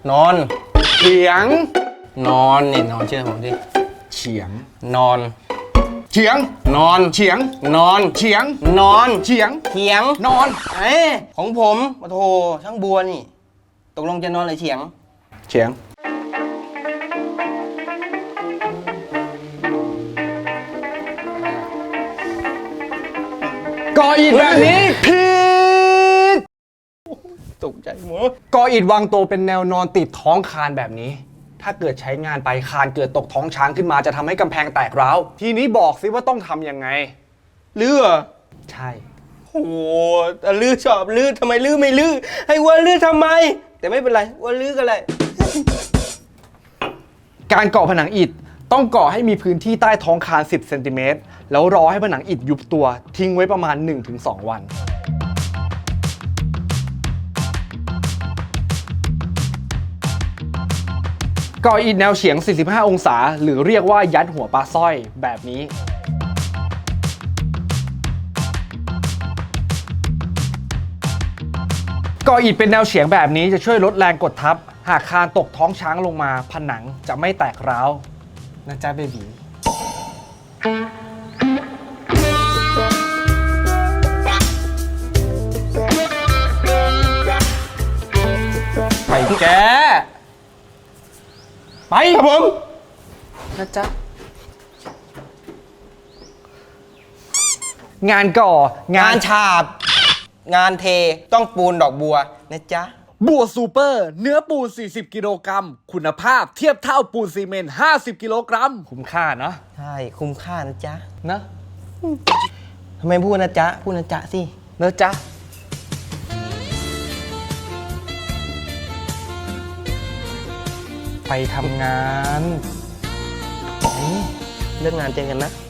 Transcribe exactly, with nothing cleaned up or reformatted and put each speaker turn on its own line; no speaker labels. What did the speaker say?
นอน
เฉียง
นอนนี่นอนเชื่อผมดิ
เฉียง
นอน
เฉียง
นอน
เฉียง
นอน
เฉียง
นอน
เฉียง
เถียง
นอน
เอ้ยของผมโอ้โหช่างบัวนี่ ตกลงจะนอนหรือเฉียง
เฉียงก่ออิฐแบบนี้ผิด
ตกใจหมด
ก่ออิฐวางตัวเป็นแนวนอนติดท้องคานแบบนี้ ถ้าเกิดใช้งานไปคานเกิดตกท้องช้างขึ้นมาจะทำให้กำแพงแตกร้าวทีนี้บอกสิว่าต้องทำยังไง
ลื้อเหรอ
ใช่
โอ้โหแต่ลื้อชอบลื้อทำไมลื้อไม่ลื้อให้วัวลื้อทำไม แต่ไม่เป็นไรวัวลื้อกันเลย
การก่อผนังอิฐต้องก่อให้มีพื้นที่ใต้ท้องคานสิบเซนติเมตรแล้วรอให้ผนังอิฐยุบตัวทิ้งไว้ประมาณ หนึ่งถึงสอง วันก่ออิฐแนวเฉียง สี่สิบห้า องศาหรือเรียกว่ายัดหัวปลาสร้อยแบบนี้ก่ออิฐเป็นแนวเฉียงแบบนี้จะช่วยลดแรงกดทับหากคานตกท้องช้างลงมาผนังจะไม่แตกร้าวนะจ๊ะเบบีไปแกไปครับผมนะจ๊ะงานก่องาง
าน นฉาบ งานเทต้องปูนดอกบัวนะจ๊ะ
บัวซูเปอร์เนื้อปูน สี่สิบ กิโลกรัมคุณภาพเทียบเท่าปูนซีเมนต์ ห้าสิบ กิโลกรัมคุ้มค่าเนาะ
ใช่คุ้มค่านะจ๊ะ
เนอะ
ทำไมพูดนะจ๊ะพูดนะจ๊ะสิ
เนอะจ๊ะไปทำงาน
เรื่องงานเจอกันนะ